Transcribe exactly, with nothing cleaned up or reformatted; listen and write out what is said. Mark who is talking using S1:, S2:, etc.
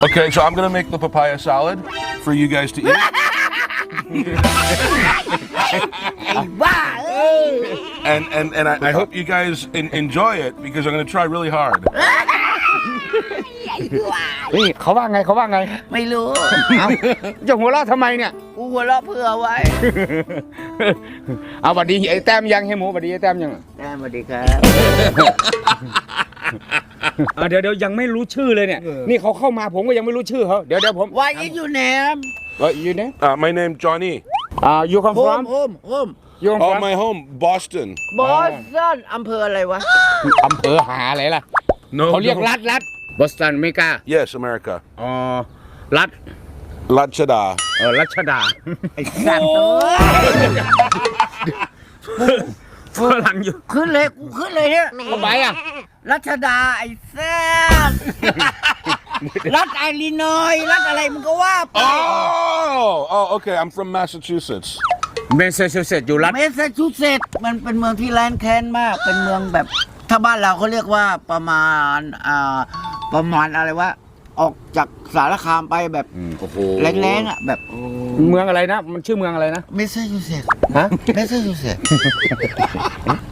S1: Okay, so I'm gonna make the papaya salad for you guys to eat.
S2: ไอ้บ้าเอ้ย
S1: And and and I, I hope you guys in, enjoy it because I'm gonna try really hard.
S3: นี่เขาว่าไงเขาว่าไง
S2: ไม่รู้
S3: เอาจะหัวเราะทำไมเนี่ย
S2: กูหัวเราะเผื่อไว้
S3: เอาบัดดีไอ้แต้มยังให้หมูบัดดีไอ้แต้มยัง
S2: แต้มสวัสดีครับ
S3: อ่ะเดี๋ยวเดี๋ยวยังไม่รู้ชื่อเลยเนี่ยนี่เขาเข้ามาผมก็ยังไม่รู้ชื่อเขาเดี๋ยวเดี๋ยวผม
S2: Why is your name
S3: What you name
S1: Uh, my name Johnny.
S3: อ่า you come from
S2: Home Home Home
S3: you come
S1: Oh,
S3: from
S1: my home, Boston.
S2: Boston อำเภออะไรวะ
S3: อำเภอหาอะไรล่ะ
S1: No,
S3: เขาเรียก
S1: no.
S3: รัฐรัฐบอสตันอเมริกา
S1: Yes, America.
S3: อ๋อรัฐ
S1: Lachada.
S3: เออรัชดา
S2: ไอ้สัตว์เอ้ย
S3: ฝรั่งอยู่
S2: ขึ้นเลยกูขึ้นเลยเนี่ย
S3: ทำไมอ่ะ
S2: รัชดาไอ้แซ่บรัฐไอรินอยส์รัฐอะไรมึงก็ว่าไป
S1: Oh, oh, okay. I'm from Massachusetts.
S3: เมสซาชูเซตส์อยู่รัฐ
S2: เมสซาชูเซตส์มันเป็นเมืองที่แลนด์แค้นมาก เป็นเมืองแบบถ้าบ้านเราเขาเรียกว่าประมาณอ่าประมาณอะไรวะออกจากสารคามไปแบบ
S3: โอ้โห
S2: แรงๆอ่ะแบบ
S3: เมืองอะไรนะ มันชื่อเมืองอะไรนะ
S2: เมสซาชูเซตส์
S3: ฮะ
S2: เมสซาชูเซตส์